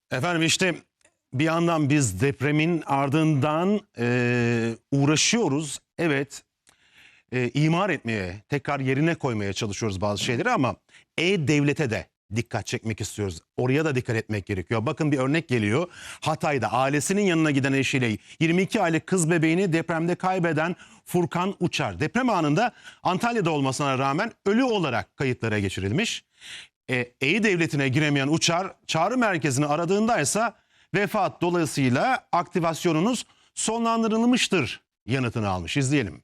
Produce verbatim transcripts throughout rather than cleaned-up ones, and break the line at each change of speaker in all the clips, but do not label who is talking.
Efendim işte bir yandan biz depremin ardından e, uğraşıyoruz. Evet, e, imar etmeye, tekrar yerine koymaya çalışıyoruz bazı şeyleri ama E-Devlet'e de dikkat çekmek istiyoruz. Oraya da dikkat etmek gerekiyor. Bakın bir örnek geliyor. Hatay'da ailesinin yanına giden eşiyle yirmi iki aylık kız bebeğini depremde kaybeden Furkan Uçar. Deprem anında Antalya'da olmasına rağmen ölü olarak kayıtlara geçirilmiş. E, E-Devlet'ine giremeyen Uçar çağrı merkezini aradığında ise vefat dolayısıyla aktivasyonunuz sonlandırılmıştır yanıtını almış. İzleyelim.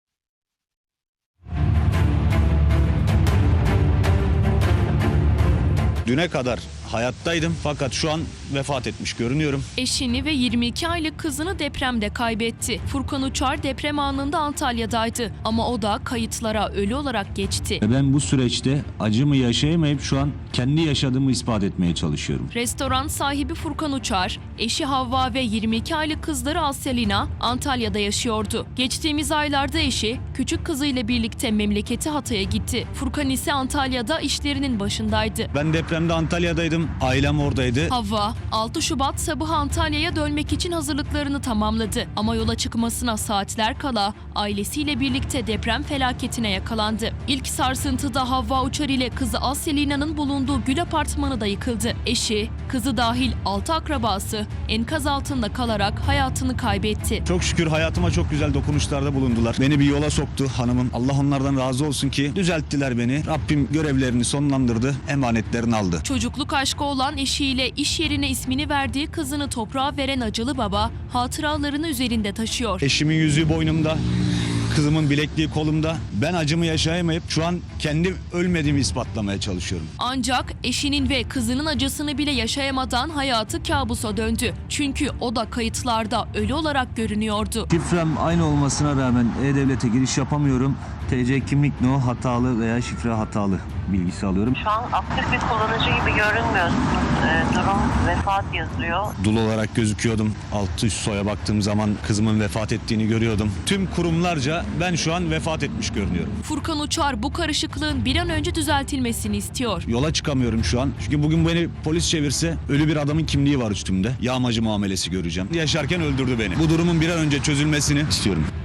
Düne kadar hayattaydım fakat şu an vefat etmiş görünüyorum.
Eşini ve yirmi iki aylık kızını depremde kaybetti. Furkan Uçar deprem anında Antalya'daydı ama o da kayıtlara ölü olarak geçti.
Ben bu süreçte acımı yaşayamayıp şu an kendi yaşadığımı ispat etmeye çalışıyorum.
Restoran sahibi Furkan Uçar, eşi Havva ve yirmi iki aylık kızları Aselina Antalya'da yaşıyordu. Geçtiğimiz aylarda eşi küçük kızıyla birlikte memleketi Hatay'a gitti. Furkan ise Antalya'da işlerinin başındaydı.
Ben depremde Antalya'daydım, ailem oradaydı.
Havva altı Şubat sabahı Antalya'ya dönmek için hazırlıklarını tamamladı. Ama yola çıkmasına saatler kala ailesiyle birlikte deprem felaketine yakalandı. İlk sarsıntıda Havva Uçar ile kızı Aselina'nın bulunduğu Gül Apartmanı da yıkıldı. Eşi, kızı dahil altı akrabası enkaz altında kalarak hayatını kaybetti.
Çok şükür hayatıma çok güzel dokunuşlarda bulundular. Beni bir yola soktu hanımım. Allah onlardan razı olsun ki düzelttiler beni. Rabbim görevlerini sonlandırdı, emanetlerini aldı.
Çocukluk aşkı olan eşiyle iş yerine ismini verdiği kızını toprağa veren acılı baba hatıralarını üzerinde taşıyor.
Eşimin yüzüğü boynumda, kızımın bilekliği kolumda. Ben acımı yaşayamayıp şu an kendi ölmediğimi ispatlamaya çalışıyorum.
Ancak eşinin ve kızının acısını bile yaşayamadan hayatı kabusa döndü. Çünkü o da kayıtlarda ölü olarak görünüyordu.
Şifrem aynı olmasına rağmen E-Devlet'e giriş yapamıyorum. T C kimlik no hatalı veya şifre hatalı bilgisi alıyorum.
Şu an aktif bir kullanıcı gibi görünmüyorsunuz. Ee, durum vefat yazıyor.
Dul olarak gözüküyordum. Altı üst soya baktığım zaman kızımın vefat ettiğini görüyordum. Tüm kurumlarca ben şu an vefat etmiş görünüyorum.
Furkan Uçar bu karışıklığın bir an önce düzeltilmesini istiyor.
Yola çıkamıyorum şu an. Çünkü bugün beni polis çevirse ölü bir adamın kimliği var üstümde. Yağmacı muamelesi göreceğim. Yaşarken öldürdü beni. Bu durumun bir an önce çözülmesini istiyorum.